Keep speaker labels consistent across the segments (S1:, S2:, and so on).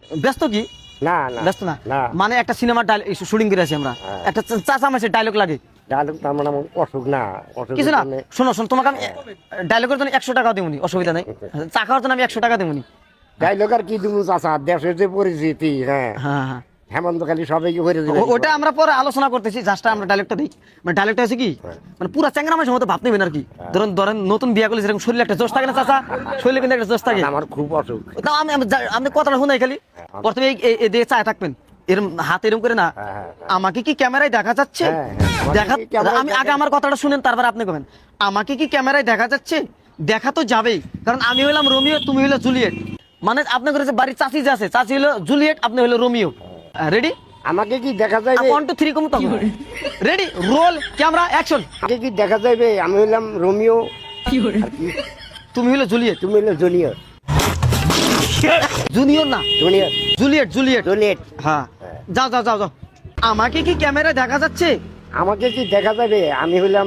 S1: ব্যস্ত কি?
S2: না না
S1: ব্যস্ত না
S2: না
S1: মানে একটা সিনেমার শুটিং করে আছি আমরা, একটা চাচা মাসের ডায়লগ লাগে।
S2: ডায়লগ তার মানে আমার অসুখ না, অসুখ
S1: কিছু না, শোনো শোনো, তোমাকে আমি ডায়লগের জন্য 100 টাকা দেবনি, অসুবিধা নেই। চা খাওয়ার জন্য আমি 100 টাকা দেবনি।
S2: ডায়লগ আর কি দিব চাচা, দেশের যে পরিস্থিতি, হ্যাঁ
S1: হ্যাঁ হ্যাঁ,
S2: হেমন্ত খালি সবাইকে করে দিবে।
S1: ওটা আমরা পরে আলোচনা করতেছি, জাস্ট আমরা ডায়লগটা দিই। মানে ডায়লগটা হচ্ছে কি, মানে পুরা চ্যাংরা মাসের মতো ভাব নেবেন আর কি। ধরেন নতুন বিয়া করলে যেরকম শরীরে একটা জোশ থাকে না চাচা, শরীরে কিন্তু একটা জোশ থাকে।
S2: আমার খুব অসুখ।
S1: তাও আমি কথাটা শুনাই খালি। প্রথমে এই দিয়ে চায় থাকবেন, এরম হাত এরম করে না। আমাকে কি ক্যামেরায় দেখা যাচ্ছে? দেখা, আমি আগে আমার কথাটা শুনেন, তারপর আপনি কবেন আমাকে কি ক্যামেরায় দেখা যাচ্ছে? দেখা তো যাবেই, কারণ আমি হইলাম রোমিও, তুমি হইলো জুলিয়েট। মানে আপনার ঘরে যে বাড়ির চাচি যে আছে, চাচি হলো জুলিয়েট, আপনি হইলো রোমিও। রেডি?
S2: আমাকে কি দেখা যাবে?
S1: 1 2 3 কম তো। Ready, roll, camera, action.
S2: আমাকে কি দেখা যাবে? আমি হইলাম রোমিও,
S1: তুমি হইলো জুলিয়েট।
S2: তুমি হইলো জুনিয়র।
S1: জুনিয়র না,
S2: জুনিয়র,
S1: জুলিয়েট জুলিয়েট।
S2: জুলিয়েট।
S1: হ্যাঁ, যাও যাও যাও যাও। আমাকে কি ক্যামেরায় দেখা যাচ্ছে?
S2: আমাকে কি দেখা যাবে? আমি হইলাম,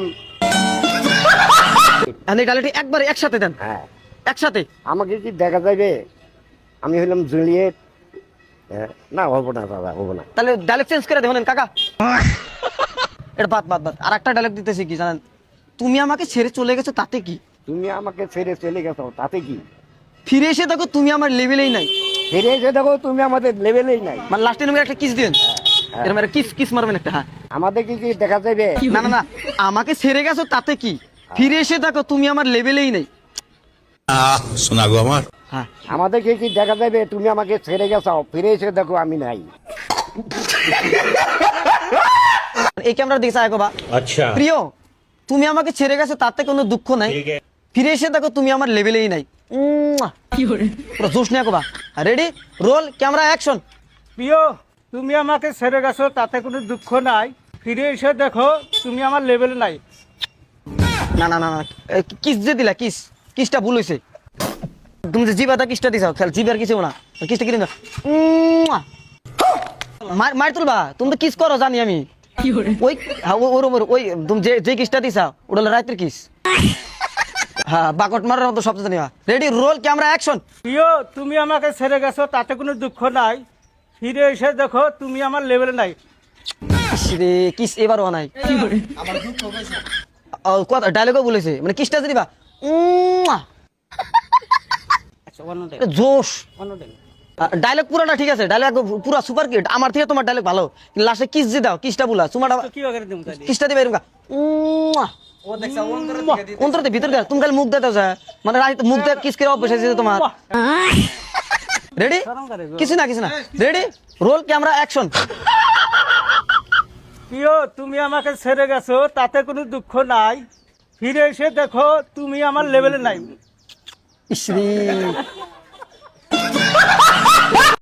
S1: এই ডায়লগটি একবারে একসাথে দেন,
S2: হ্যাঁ
S1: একসাথে।
S2: আমাকে কি দেখা যাবে? আমি হইলাম জুলিয়েট। না হবো না দাদা, হবো না।
S1: তাহলে ডায়লগ চেঞ্জ করে দেবেন কাকা। এটা বাদ বাদ বাদ। আর একটা ডায়লগ দিতেছি কি জানেন, তুমি আমাকে ছেড়ে চলে গেছো তাতে কি?
S2: তুমি আমাকে ছেড়ে চলে গেছো তাতে কি?
S1: ফিরে এসে দেখো তুমি আমার লেভেলেই নাই।
S2: ফিরে এসে দেখো তুমি আমাদের লেভেলেই নাই।
S1: মানে লাস্টে এরকম একটা কিস দিবেন, এরকম একটা কিস কিস মারবেন একটা। হ্যাঁ,
S2: আমাদের কি কি দেখা যাবে?
S1: না না না, আমাকে ছেড়ে গেছো তাতে কি, ফিরে এসে দেখো তুমি আমার লেভেলেই নাই।
S3: শোনা গো আমার।
S1: হ্যাঁ,
S2: আমাদের কি দেখা যাবে? তুমি আমাকে ছেড়ে গেছো, ফিরে এসে দেখো আমি নাই।
S1: এই ক্যামেরা দিকে চাই বা।
S3: আচ্ছা,
S1: প্রিয়, তুমি আমাকে ছেড়ে গেছো তাতে কোনো দুঃখ নাই, ফিরে এসে দেখো তুমি আমার লেভেলেই নাই। পুরো জোশ নিয়ে কোবা। Ready, roll, camera, action.
S4: প্রিয়, তুমি আমাকে ছেড়ে গেছো তাতে কোনো দুঃখ নাই, ফিরে এসে দেখো তুমি আমার লেভেলে নাই।
S1: না না না না, কিস যে দিলা, কিস, কিসটা ভুল হইছে। তুমি যে জিবাটা কিসটা দিছাও, খেল জিবার কিছু না, কিসটা কি দিন। মার তুলবা, তুমি তো কিস করো জানি আমি। ওই ওই তুমি যে কিসটা দিছা ওটা হলো রাতের কিস। হ্যাঁ, বাকট মারার মতো শব্দ জানি। Ready, roll, camera, action.
S4: প্রিয়, তুমি আমাকে ছেড়ে গেছো তাতে কোনো দুঃখ নাই, ফিরে এসে দেখো তুমি আমার লেভেলে নাই।
S1: রে কিস এবারও নাই, কথা ডায়লগও বলেছে, মানে কিসটা দিবা। জোশ ডায়লগ পুরাটা ঠিক আছে, ডায়লগ পুরা সুপার কিট, আমার থেকে তোমার ডায়লগ ভালো। লাস্টে কিস দিয়ে দাও, কিসটা বলা তোমার,
S4: কি করে দেব তাইলে?
S1: কিসটা দিবে এরকম অন্তরতে ভিতর দিয়ে তুমি খালি মুখ দিতে যায়, মানে মুখ দিয়ে কিস করে অভ্যাস আছে তোমার। রেডি, কিছু না কিছু না। Ready, roll, camera, action.
S4: প্রিয়, তুমি আমাকে ছেড়ে গেছো তাতে কোনো দুঃখ নাই, ফিরে এসে দেখো তুমি আমার লেভেলে নাই।
S1: ইসরি